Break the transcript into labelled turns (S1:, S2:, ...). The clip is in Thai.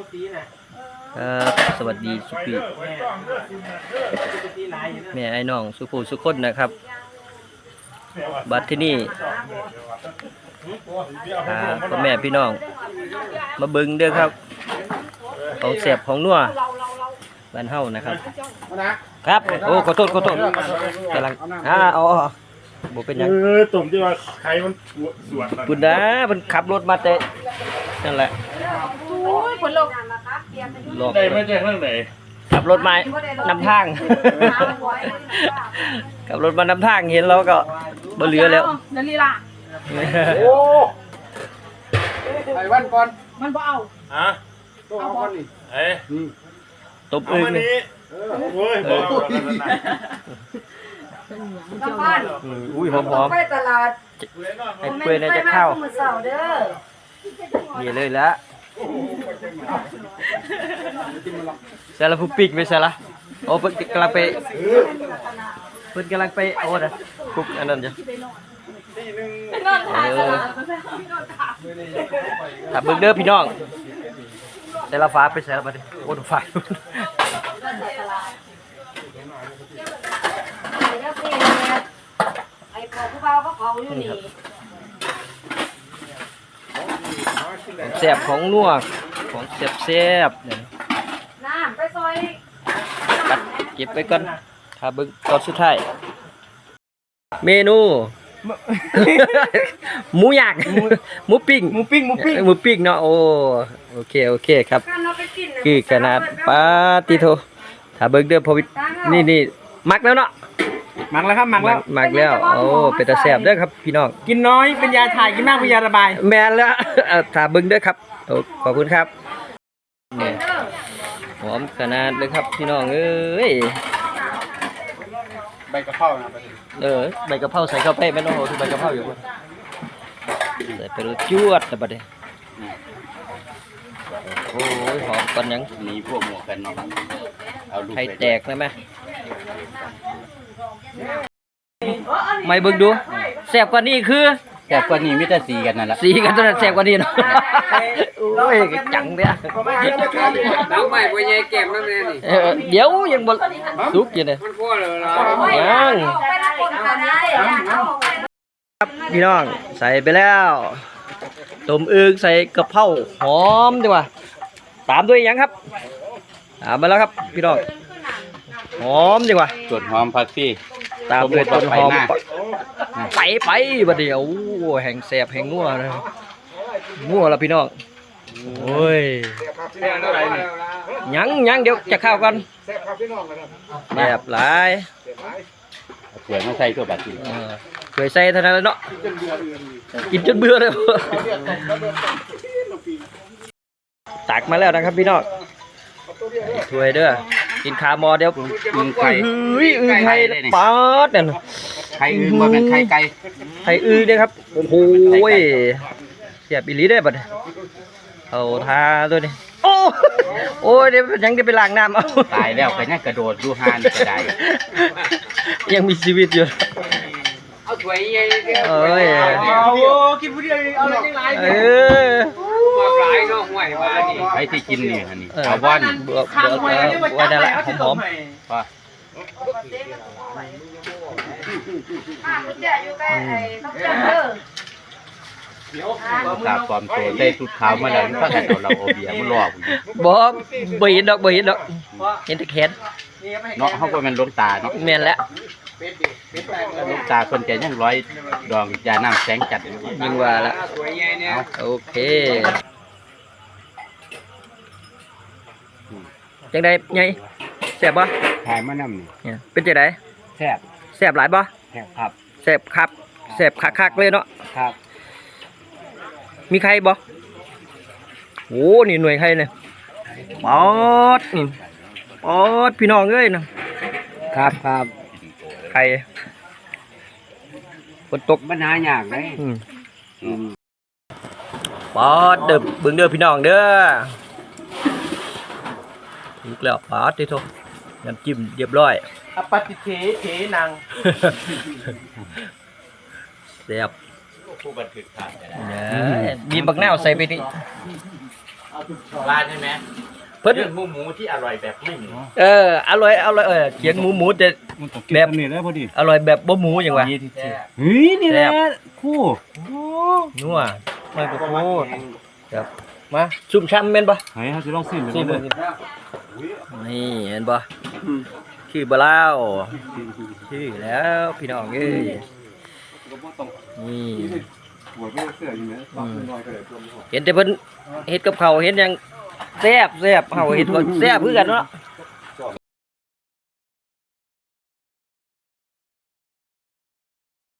S1: ครับสวัสดีสุปีแม่ไอ้น้องสุภูสุคนนะครับบัดที่นี่พ่อแม่พี่น้องมาเบิ่งเด้อครับของแสบของนัวบ้านเฮานะครับครับโอ้ขอโทษกำลังเอาบ่เป็นหยัง
S2: ตุ่มที่ว่าใครมันสวน
S1: ปุ่นนะมันขับรถมาแต่นั่นแหละลอก
S2: ได้ไม่ใช่ข้างไหน
S1: ขับรถมานำทางขับรถมานำทางเห็นแล้วก็บ่เหลือแล้ว
S3: นั่นลีล่ะ
S2: โอ้ไอ้วันก่อน
S3: มันบ่เอา
S2: ฮะต้องเอาก่อนนี่เอ้
S1: ตบอึ่ง
S2: โอ้ยบอก
S1: อุ้ยหอม
S3: ไปตลาด
S1: ไอ้เปื่อยน่าจะเข้านี่เลยละเสร็จแล้วผู้ปิกไปเสร็จละโอ้เพิ่นกำลังไปโอ้นะคุกอันนั้นจ้ะถ้าเบิ่งเด้อพี่น้องแต่ละฟ้าไปใส่ละบัดนี้โอ้ดูฟ้า
S3: ไอ้ของผู้เบาก็เขาอยู่นี่
S1: แซ่บของนัวของแซ่บเนี่ย
S3: น้ำไปซอย
S1: ตัดเก็บไว้ก่อนถ้าเบิ่งตอนสุดท้ายเมนูหมูย่างหมูปิ้งเนาะโอเคครับคือขนาดปาติโทถ้าเบิ่งเด้อพอนี่มักแล้วเนาะ
S2: มักแล้วครับมัก
S1: แล้วโอ้เป็นตาแซ่บเด้อครับพี่น้อง
S2: กินน้อยเป็นยาถ่ายกินมากเป็นยาระบาย
S1: แม่นแล้วถ้าเบิ่งเด้อครับขอบคุณครับนี่หอมขนาดเลยครับพี่น้องเอ้ย
S2: ใบกะเพรานะ
S1: ใบกะเพราใส่เข้าไปไม่ต้องโหทุใบกะเพราอยู่พุ่นใส่ไปรูจวดแต่บัดนี้โอ้ยหอมก่อนยัง
S4: นี่พวกหมวกกันเนาะเอาดู
S1: ไข่แตกได้ไหมไม่เบิ่งดูแซ่บกว่านี้คือ
S4: แต่กว่านี้มีแต่สีกันนั่นแหละ
S1: สีกันตัวนั้นแซ่บกว่านี้เนาะโอ้ยจังเด้อ
S4: น้ำใหม่บ่ใหญ่แก้มนำแน่นี่
S1: เดี๋ยวยังบ่สุกอยู่เด้
S4: มันพอแล้วล่ะ
S1: ยังครับพี่น้องใส่ไปแล้วต้มอึ่งใส่กะเพราหอมดีกว่าตามด้วยยังครับมาแล้วครับพี่น้องหอมดีกว่า
S4: ส่วนหอมผักชี
S1: ตามด้วยต้นหอมไปบัดเดี๋ยวแห่งแสบแห่งงัวนะงัวแล้วพี่น้องโอ้ยยังเดี๋ยวจะเข้ากันแบบหลาย
S4: เผื่อมาใส่ตัวบัดนี้
S1: เผื่อใส่เท่านั้นแล้วเนาะกินจนเบื่อเลยตักมาแล้วนะครับพี่น้องถ้วยเด้อกินขาหมอเดี๋ยว
S4: อึ่งไข่
S1: ไข่ป๊อดนั่น
S4: ไข่อึ่งว่าเป็นไข่ไก่
S1: ไข่อึ่งเด้ครับโอ้โหเสียบอีหลีได้บัดเอาทาตัวนี้โอ้ยเดี๋ยวยังได้ไปล้างน้ำเอา
S4: ตายแล้วก็ยังกระโดดดูหานก็ได้
S1: ยังมีชีวิตอยู่
S4: เอาถ้วยใหญ่
S1: เอ้ย
S2: กินผู้เดียวเอาอะไรจังไร
S4: หลายเนาะห่วยว่านี่ไอ้ที่กินนี่อันนี้เอาบ่อน
S1: ไว้ได้ละหอม
S4: ว่าตาความโตได้สุดขาวมาแล้วถ้ากันเราเอาเบียร์มันรอ
S1: บ่เห็นดอกเห็นแต่แขน
S4: เนาะเฮาบ่แม่นลงตาเนาะ
S1: แม่นแล้ว
S4: ลงตาคนแก่ยังร้อยดองยาน้ำแสงจัด
S1: ยิงว่าละโอเคจังได๋ไงแซ่บบ่
S4: ถ่ายมานำ
S1: นี่เป็นจังได๋แซ่บหลายบ่
S4: แซ่บครับ
S1: แซ่บครับแซ่บคักๆเลยเนาะ
S4: ครับ
S1: มีใครบ่โอ้นี่หน่วยใครเนี่ยป๊อดนี่ป๊อดพี่น้องเอ้ยนะครับใครฝนตก
S4: ปัญหายากเลย
S1: ป๊อดเด้อเบิ่งเด้อพี่น้องเด้ออีกแล้วป๊อดที่โทน้ำจิ้มเรียบร้อย
S2: อปฏิเทนัง
S1: แซ่บ
S4: ผู้บันทึกถ่าย
S1: มีบักแนวใส่ไปนี่
S4: บ้านใช่ไหม
S1: เพิ่น
S4: เรื่องหมูที่อร่อยแบบไม่หมู
S1: อร่อยเขียนหมูแต่
S2: มันต้องแบบนี้แล้วพอดี
S1: อร่อยแบบบ่หมูหยังวะ
S2: เฮ้ยนี่แหละคู่
S1: นัวมันก็โคตรครับมาซุ่มช้ำแม่นบ่
S2: ไหนฮะจะลองซิม
S1: ซิม
S2: เลย
S1: นี่เห็นบ่คือบ่แล้วคือแล้วพี่น้องเอ้ยนี่เห็นแต่เพิ่นเฮ็ดกับข้าวเห็นหยังแซ่บเฮาเฮ็ดบ่แซ่บคือกันเนาะ